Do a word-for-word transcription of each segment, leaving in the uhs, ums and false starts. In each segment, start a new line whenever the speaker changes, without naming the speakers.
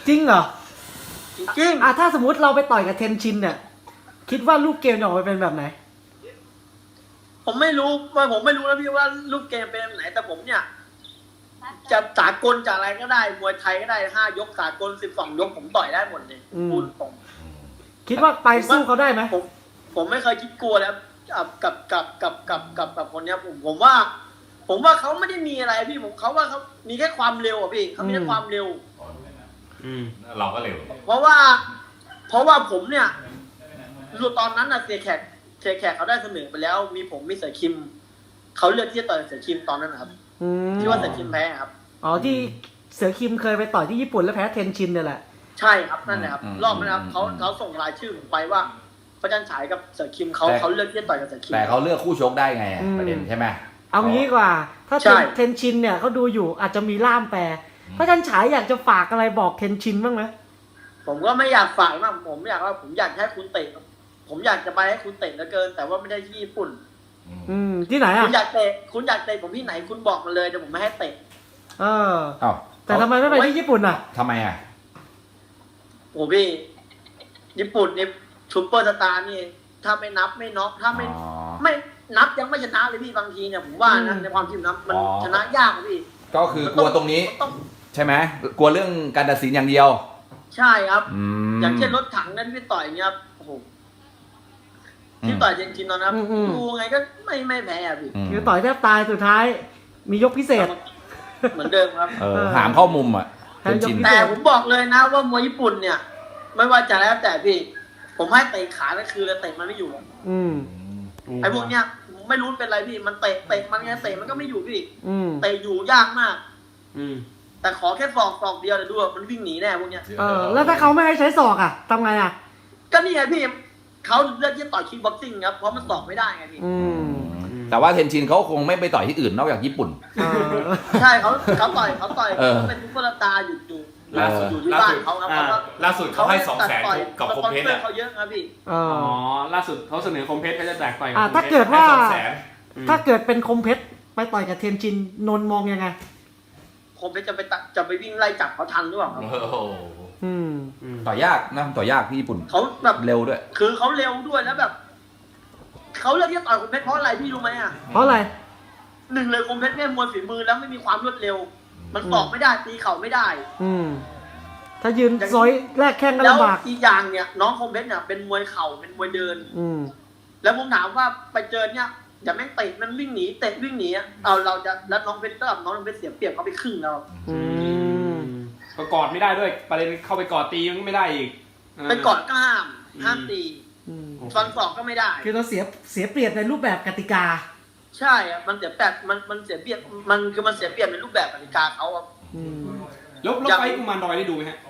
จริงเหรอ
จริงๆ
อ่ะถ้าสมมติเราไปต่อยกับเทนชินเนี่ยคิดว่าลูกเกมจะออกมาเป็นแบบไหน
ผมไม่รู้ว่าผมไม่รู้นะพี่ว่าลูกเกมเป็นแบบไหนแต่ผมเนี่ยจะสากลจากอะไรก็ได้มวยไทยก็ได้ห้ายกสากลสิบสองยกผมต่อยได้หมดเลย
อืม
พูดตรง
คิดว่าไปสู้เขาได้ไหม
ผมผมไม่เคยคิดกลัวแล้วกับกับกับกับกับกับคนเนี้ยผมผมว่า ผมว่าเขาไม่ได้มีอะไรพี่ผมเขาว่าเขามีแค่ความเร็วอ่ะพี่เขามีแค่ความเร็ว
อืมเราก็เร็ว
เพราะว่า เพราะว่าผมเนี่ยรู้ตอนนั้นน่ะเสียแขกเสียแขกเขาได้เสนอไปแล้ว มีผมมีเสือคิมเขาเลือกที่จะต่อยเสือคิมตอนนั้นนะครับ
อืม
ที่ว่าเสือคิมแพ้ครับ
อ๋อที่เสือคิมเคยไปต่อยที่ญี่ปุ่นแล้วแพ้เทนชินเนี่ยแหละ
ใช่ครับนั่นแหละครับรอบนั้นครับเขาเขาส่งรายชื่อผมไปว่าพระจันทร์ฉายกับเสือคิมเขาเขาเลือกที่จะต่อยกับเสือคิม
แต่เขาเลือกคู่ชกได้ไงอะประเด็นใช่ไหม
เอางี้ดีกว่า ถ้า
ใช่
เทนชินเนี่ยเขาดูอยู่อาจจะมีล่ามแปลพระจันฉายอยากจะฝากอะไรบอกเทนชินบ้างไหม
ผมก็ไม่อยากฝากมากผมอยากว่าผมอยากให้คุณเตะผมอยากจะไปให้คุณเตะเหลือเกิน แต่ว่าไม่ได้ที่ญี่ปุ่น
อืมที่ไหน
คุ
อ่ะ
ณอยากเตะคุณอยากเตะผมที่ไหนคุณบอกมาเลยแต่ผมไม่ให้เตะ
เออ
อ้าว
แต่ทำไมไม่ไปที่ญี่ปุ่นอ่ะ
ทำไมอ่ะ
โอ้พี่ญี่ปุ่นนี่ซูเปอร์สตาร์นี่ถ้าไม่นับไม่น็อกถ้าไม่
อ๋อ
ไม่นับยังไม่ชนะเลยพี่บางทีเนี่ยผมว่านะในความคิดผมนะมัน
อ๋อ
ชนะยากอะพี่
ก็คือกลัวตรงนี้
มัต้อง
ใช่ไหมกลัวเรื่องการตัดสินอย่างเดียว
ใช่ครับ
อืม
อย่างเช่นรถถังนั้นพี่ต่อยอย่างเงี้ยครับโอ้โหที่ต่อยเจนจินตอนนั้น
อืมอืม
ดูไงก็ไม่ไม่แพ้อะพี่
ม
คือต่อยแทบตายสุดท้าย มียกพิเศษ
เหมือนเดิมครับ
เออหามเข้ามุมอ่ะ
ให้
เป็น
ยก
ชิน
พิ
แต่ผมบอกเลยนะว่ามวยญี่ปุ่นเนี่ย ไม่ว่าจะแล้วแต่พี่ ผมให้เตะขานั่นคือเตะมันไม่อยู่
อืม
ไอ้พวกเนี้ยไม่รู้เป็นไรพี่มันเตะเตะมันไงเตะมันก็ไม่อยู่พี่
อืม
เตะอยู่ยากมาก
อืม
แต่ขอแค่ศอกศอกเดียวเดี๋ยวดูว่ามันวิ่งหนีแน่พวกเนี้ย
เออแล้วถ้าเขาไม่ให้ใช้ศอกอ่ะทำไงอ่ะ
ก็นี่ไงพี่เขาเลือกที่จะต่อยคิกบ็อกซิ่งครับเพราะมันศอกไม่ได้ไงพี่
อืม
แต่ว่าเทนชินเขาคงไม่ไปต่อยที่อื่นนอกจากญี่ปุ่น
เออ
ใช่เขาเขาต่อยเขาต่อย
เออ
เขาเป็นซุปเปอร์สตาร์อยู่อยู่
ล่าสุด
อยู่ที่
ล่า
บ้าน
สุด
เขาครับ
อ่า
เพราะว่า
ล่าสุดเขาให้สองแสน
ต่อย
กับคมเพชร
สปอนเซอ
อ่ะ
ร์เขาเยอะนะพี่
เอ
อ๋
อ
อล่าสุดเขาเสนอคมเพชรเขาจะแจกต่อยกับ
อ่า
คม
ถ้า
พชร
เกิดว่า
ให้สองแสน
ถ้าเกิดเป็นคมเพชรไปต่อยกับเทนชินนนท์มองยังไง
คงไปจะไปตัดจะไปวิ่งไล่จับเขาทันหรือเปล่าครับ
โอ้โห
อืม
อืม
ต่อยากนะต่อยากที่ญี่ปุ่น
เขาแบบ
เร็วด้วย
คือเขาเร็วด้วยแล้วแบบเขาเลือกที่จะต่อยคมเพชรเพราะอะไรพี่รู้ไหมอ่ะ
เพราะอะไร
หนึ่งเลยคมเพชรเนี่ยมวยฝีมือแล้วไม่มีความรวดเร็ว มันสอกไม่ได้ตีเข่าไม่ได้
อืม ถ้ายืนซอยแรกแข้งก็
แล้ว
ลำบาก
อีกอย่างเนี่ย น้องคมเพชรเนี่ยเป็นมวยเข่าเป็นมวยเดิน
อืม
แล้วผมถามว่าไปเจอเนี่ยอย่าแม่งเตะมันวิ่งหนีเตะวิ่งหนีอะเอาเราจะแล้วน้องเพชรกับน้องเพชรเสียเปรียบเขาไปครึ่งแล้ว
อืม
ก็กอดไม่ได้ด้วยประเด็นเข้าไปกอดตีมันไม่ได้อีก
ไปกอดก็ห้ามห้ามตี
อืม
ฟันศอกก็ไม่ได้
คือเราเสียเสียเปรียบในรูปแบบกติกา
ใช่อะมันเสียแปดมันมันเสียเปรียบมันคือมันเสียเปรียบในรูปแบบกติกาเขาอะ
อืม
แล้วแล้วไฟกุมารดอยได้ดูไหมฮะ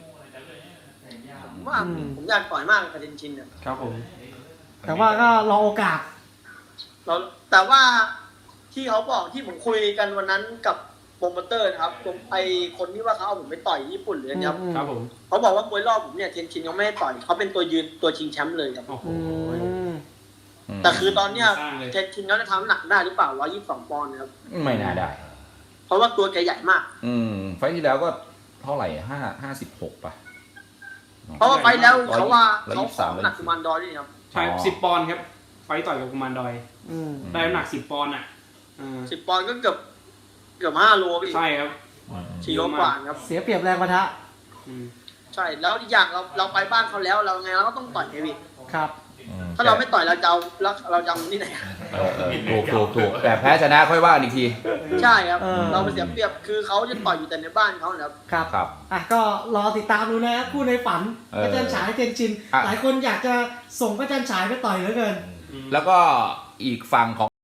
ผมว่า
อืม
ผมอยากต่อยมากกับเทนชินเนี่ย
ครับผม
แต่ว่าก็รอโอกาส
เราแต่ว่าที่เขาบอกที่ผมคุยกันวันนั้นกับโปรโมเตอร์นะครับผมไอคนที่ว่าเขาเอาผมไปต่อยญี่ปุ่นหรืออะไรครับ
อืม
ครับผม
เขาบอกว่ามวยรอบผมเนี่ยเทนชินยังไม่ให้ต่อยเขาเป็นตัวยืนตัวชิงแชมป์เลยครับ
โอ้โห
อืม
แต่คือตอนเนี้ย
สร้างเลย
เทนชินเขาจะทำหนักได้หรือเปล่าร้อยยี่สิบสองปอนด์นะครับ
ไม่น่าได้
เพราะว่าตัวแกใหญ่มาก
อืมไฟล์ที่แล้วก็เท่าไหร่ห้าห้าสิบหกป่ะ
เพราะว่าไปแล้วเขาว่า
ร้อย
เขา
ยี่สิบ
ข
สา
อ
ม
งหนักกุมารดอยด้วยครับ
ใช่
อ๋อ
สิบปอนด์ครับ ไฟต่อยกับกุมารดอย
อืม
ได้น้ำหนักสิบปอนด์อ่ะเออ
สิบปอนด์ก็เกือบเกือบห้าโลพี่
ใช่ครับ
สี่โลกว่าครับ
เสียเปรียบแรงปะทะ
อืม
ใช่แล้วอีกอย่างเราเราไปบ้านเขาแล้วเราไงเราก็ต้องต่อยไงพี่
ครับ
อืม
ถ้าเราไม่ต่อยเราจะเอาแล้วเราจะเอาที่ไหน
เออเออถูกถูกถูกแต่แพ้ชนะค่อยว่ากันอีกที
ใช่ครับ
เออ
เราไปเสียเปรียบคือเขาจะต่อยอยู่แต่ในบ้านเขานะครับ
ครับ
ครับ
อ่ะก็รอติดตามดูนะคู่ในฝัน
เออ
พระจันทร์ฉายเทนชิน
อ่ะ
หลายคนอยากจะส่งพระจันทร์ฉายไปต่อยเหลือเกิน
อืม
แล้วก็อีกฝั่งของ